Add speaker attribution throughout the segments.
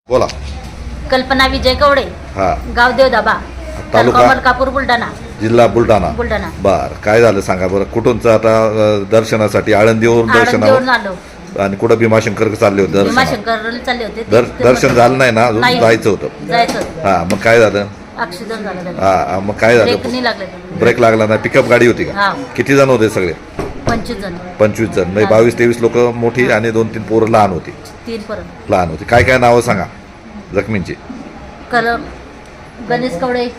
Speaker 1: बोला.
Speaker 2: कल्पना विजय कवडे,
Speaker 1: हा.
Speaker 2: गाव देवदाबा,
Speaker 1: तालुका
Speaker 2: मलकापूर, बुलढाणा.
Speaker 1: जिल्हा बुलढाणा.
Speaker 2: बुलढाणा.
Speaker 1: बर, काय झालं सांगा बरं. कुठूनच आता दर्शनासाठी आळंदीवरून
Speaker 2: आळंदीवरून
Speaker 1: दर्शनावर
Speaker 2: आलो.
Speaker 1: आणि कुठं भीमाशंकर चालले होते दर्शनाला?
Speaker 2: भीमाशंकरला चालले होते.
Speaker 1: दर्शन झालं नाही ना अजून?
Speaker 2: नाही.
Speaker 1: जायचं होतं.
Speaker 2: जायचं होतं.
Speaker 1: हा, मग काय झालं?
Speaker 2: ऍक्सिडेंट झाला त्याचा.
Speaker 1: हा, मग काय
Speaker 2: ब्रेक
Speaker 1: झालं?
Speaker 2: नाही लागले.
Speaker 1: ब्रेक लागला नाही. पिकअप गाडी होती का?
Speaker 2: हा.
Speaker 1: किती जण होते सगळे?
Speaker 2: 25 जण.
Speaker 1: 25 जण. म्हणजे 22-23 लोक मोठी आणि 2-3 पोरं लहान होती.
Speaker 2: 3 पर्यंत.
Speaker 1: लहान होती. काय काय नावं सांगा जखमींची?
Speaker 2: गणेश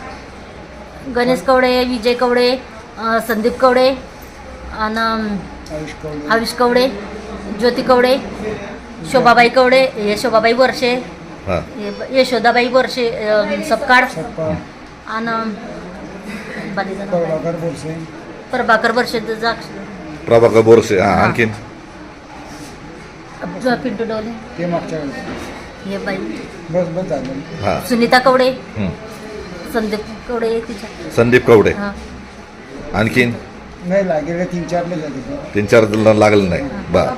Speaker 2: कवडे, विजय कवडे, संदीप कवडे आणि आयुष कवडे, ज्योती कवडे, शोभाबाई कवडे, यशोबाबाई वर्षे,
Speaker 1: हा.
Speaker 2: यशोदाबाई वर्षे, सपकाळ आणि प्रभाकर वर्षे,
Speaker 1: प्रभाकर बोरसे. हा, आणखीन?
Speaker 2: पिंटू डोले,
Speaker 3: ते मागच्या
Speaker 2: हे बाई
Speaker 3: बस झालं.
Speaker 1: हा.
Speaker 2: सुनीता कवडे,
Speaker 1: हं.
Speaker 2: संदीप कवडे, तिच्या
Speaker 1: संदीप कवडे.
Speaker 2: हा.
Speaker 1: आणखीन?
Speaker 3: नाही लागेल 3-4 झाले.
Speaker 1: 3-4 लागलं नाही.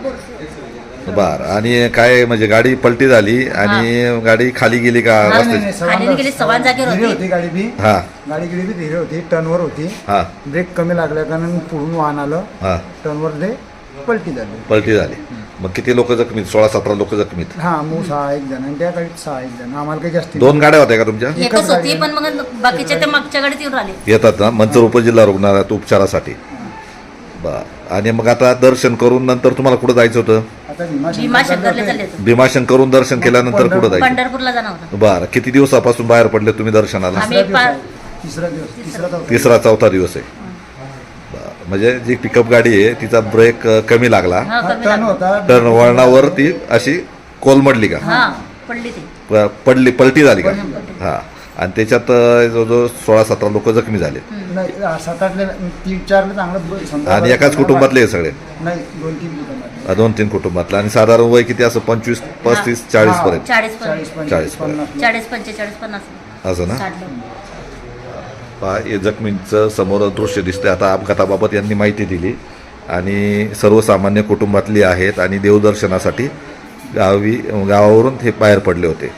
Speaker 1: बर. आणि काय म्हणजे गाडी पलटी झाली आणि गाडी खाली गेली का रस्त्याची?
Speaker 2: खाली गेली, सवान जागेवर
Speaker 3: धीरे
Speaker 2: होती.
Speaker 3: होती गाडी बी.
Speaker 1: हा.
Speaker 3: गाडी गिडी बी धीरे होती, टर्नवर होती.
Speaker 1: हा.
Speaker 3: ब्रेक कमी लागल्या कारण पुढून वाहन आलं.
Speaker 1: हा.
Speaker 3: टर्नवर ते पलटी झाली.
Speaker 1: पलटी झाली. मग किती लोक जखमीत? 16-17 लोक जखमीत.
Speaker 3: हा, मग 6-1 जण आणि त्या गाडीत 6-1 जण. आम्हाला काही जास्त
Speaker 1: 2 गाड्या होत्या का तुमच्या?
Speaker 2: एकच होती, पण मग बाकीच्या त्या मागच्या गाडीत येऊन राहिले.
Speaker 1: येतात ना मंचर उपजिल्हा रुग्णालयात उपचारासाठी? बर. आणि मग आता दर्शन करून नंतर तुम्हाला कुठं जायचं होतं?
Speaker 3: आता
Speaker 2: भीमाशंकरला चालले होते.
Speaker 1: भीमाशंकरून दर्शन केल्यानंतर कुठं जायचं?
Speaker 2: पंढरपूरला जाणार होता.
Speaker 1: बरं. किती दिवसापासून बाहेर पडले तुम्ही दर्शनाला?
Speaker 2: आम्ही
Speaker 3: तिसरा दिवस.
Speaker 1: 3रा-4था दिवस आहे. बरं. म्हणजे जी पिकअप गाडी आहे तिचा ब्रेक कमी लागला,
Speaker 2: हा, कमी
Speaker 3: टर्न
Speaker 2: लागला.
Speaker 3: होता.
Speaker 1: टर्न वळणावर ती अशी कोलमडली का?
Speaker 2: हा, पडली ती.
Speaker 1: पलटी झाली का? हा. आणि त्याच्यात जवळजवळ 16-17 लोक जखमी झाले.
Speaker 3: नाही 7-8 3-4 चांगलं समजा.
Speaker 1: आणि एकाच कुटुंबातले हे सगळे?
Speaker 3: नाही 2-3 कुटुंबात.
Speaker 1: 2-3 कुटुंबातले. आणि साधारण वय किती असं? 25, 35, 40 पर्यंत?
Speaker 2: 40
Speaker 3: 40,
Speaker 1: 40,
Speaker 2: 45, 50
Speaker 1: असं ना?
Speaker 2: 60 लोक.
Speaker 1: पहा, हे जखमींचं समोर दृश्य दिसतंय. आता अपघाताबाबत यांनी माहिती दिली आणि सर्वसामान्य कुटुंबातली आहेत आणि देवदर्शनासाठी गावावरून हे बाहेर पडले होते.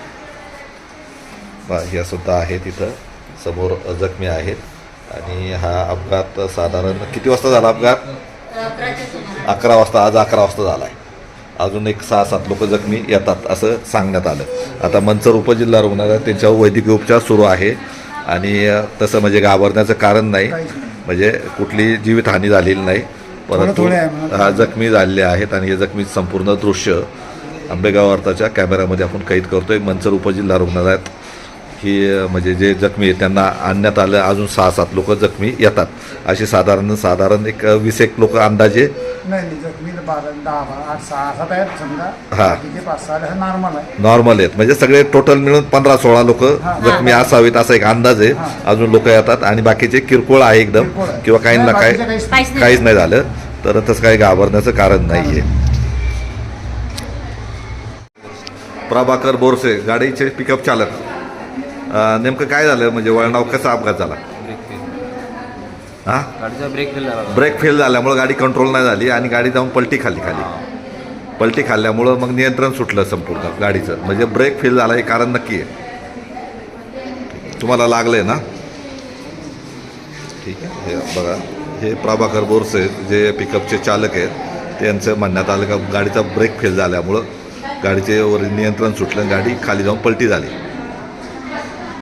Speaker 1: पहा, ह्या सुद्धा आहेत इथं समोर जखमी आहेत. आणि हा अपघात साधारण किती वाजता झाला अपघात? 11 वाजता. आज 11 वाजता झाला आहे. अजून एक 6-7 लोक जखमी येतात असं सांगण्यात आलं. आता मंचर उपजिल्हा रुग्णालयात त्यांच्यावर वैद्यकीय उपचार सुरू आहे आणि तसं म्हणजे घाबरण्याचं कारण नाही. म्हणजे कुठली जीवितहानी झालेली नाही, परंतु हा जखमी झालेले आहेत. आणि हे जखमी संपूर्ण दृश्य आंबेगाव वार्ताच्या कॅमेऱ्यामध्ये आपण कैद करतोय. मंचर उपजिल्हा रुग्णालयात ही म्हणजे जे जखमी आहेत त्यांना आणण्यात आलं. अजून 6-7 लोक जखमी येतात. असे साधारण एक 20-1 लोक अंदाजे.
Speaker 3: नाही जखमी 12-10-8-6-7 आहेत समजा.
Speaker 1: हा.
Speaker 3: तिथे 5-6 नॉर्मल आहे.
Speaker 1: नॉर्मल आहेत. म्हणजे सगळे टोटल मिळून 15-16 लोक जखमी असावेत असा एक अंदाज आहे. अजून लोक येतात आणि बाकीचे किरकोळ आहे एकदम, किंवा काहींना काहीच नाही झालं तर तसं काही घाबरण्याचं कारण नाही आहे. प्रभाकर बोरसे, गाडीचे पिकअप चालक. नेमकं काय झालं म्हणजे वळणावर कसा अपघात झाला? हा,
Speaker 4: गाडीचा ब्रेक फेल झाला.
Speaker 1: ब्रेक फेल झाल्यामुळं गाडी कंट्रोल नाही झाली आणि गाडी जाऊन पलटी पलटी खाल्ल्यामुळं मग नियंत्रण सुटलं संपूर्ण गाडीचं. म्हणजे ब्रेक फेल झाला हे कारण नक्की आहे. तुम्हाला लागलंय ना? ठीक आहे. हे बघा, हे प्रभाकर बोरसे जे पिकअपचे चालक आहेत त्यांचं म्हणण्यात आलं का गाडीचा ब्रेक फेल झाल्यामुळं गाडीचे वर नियंत्रण सुटलं, गाडी खाली जाऊन पलटी झाली.